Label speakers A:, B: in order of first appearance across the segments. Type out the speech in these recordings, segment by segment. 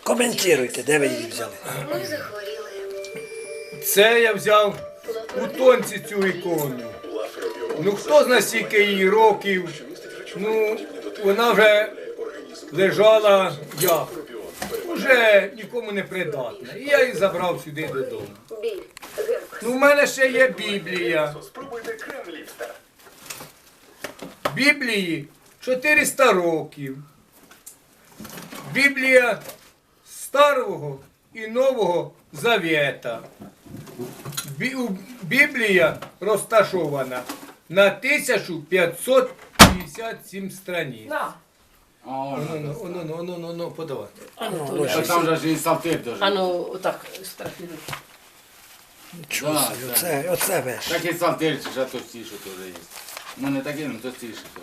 A: Коментуйте, де ви її взяли?
B: Ми захворіли.
C: Це я взяв у тонці цю ікону. Ну хто знає скільки їй років. Ну, вона вже лежала як. Уже нікому не придатна. І я її забрав сюди додому.
B: Біль. Герпес.
C: Ну, в мене ще є Біблія.
D: Спробуйте крем ліфта.
C: Біблії 400 років. Біблія Старого і Нового Завета. Біблія розташована на 1557 страниць.
E: На.
C: Ну, подавайте.
F: А там же ж і Псалтир дуже.
E: А ну, отак, страхливо.
A: Нічого
F: Да,
A: собі,
F: да.
A: оце веш.
F: Такий Псалтир, що товстіше теж є. Ну не такий, але товстіше теж.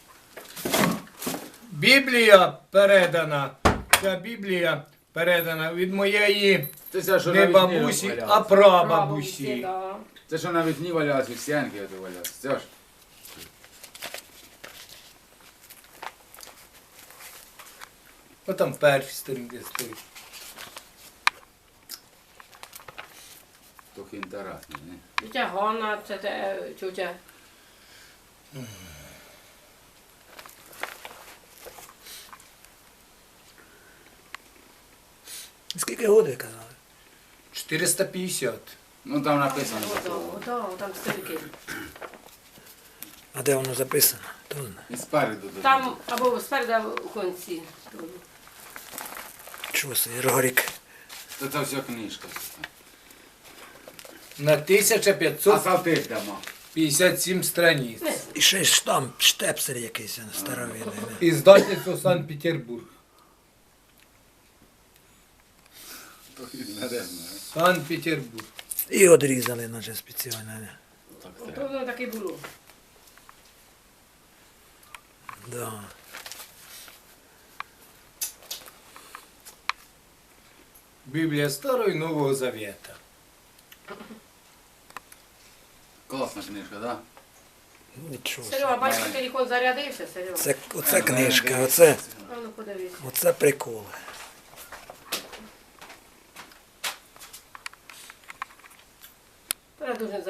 C: Біблія передана. Ця Біблія передана від моєї
F: Це що
C: не
F: на вікні
C: бабусі, а
F: валялося.
C: прабабусі.
E: Да.
F: Це що на вікні валялося, в стінки ото валялося. Це ж.
C: Ось там перші сторінки стоїть.
F: Трохи інтересний, не?
E: Тетя Ганна, це тетя.
A: Скільки годин казали?
C: 450.
F: Ну там написано.
E: Там старики.
A: А де воно записано? Хто знає?
F: І спереду.
E: Там або спереду, або в кінці.
A: Чого це, Іргорік?
F: Це все книжка.
C: На
F: А
C: 1557
F: Псалтир дамо.
C: страниць.
A: І ще ж там штепсель якийсь старовинний. не?
C: Іздательство Санкт-Петербург.
F: Трохи нарядно.
C: Санкт-Петербург.
A: І одрізали, наче спеціально. не?
F: Так
E: То
F: треба.
E: воно таке було.
A: Да.
C: Біблія Старого і Нового Завета.
F: Класна книжка, так? Да?
A: Нічого.
E: Серега, бачиш, телефон зарядився, Серега.
A: Оце книжка, оце
E: А ну подивись.
A: прикол.
E: Дуже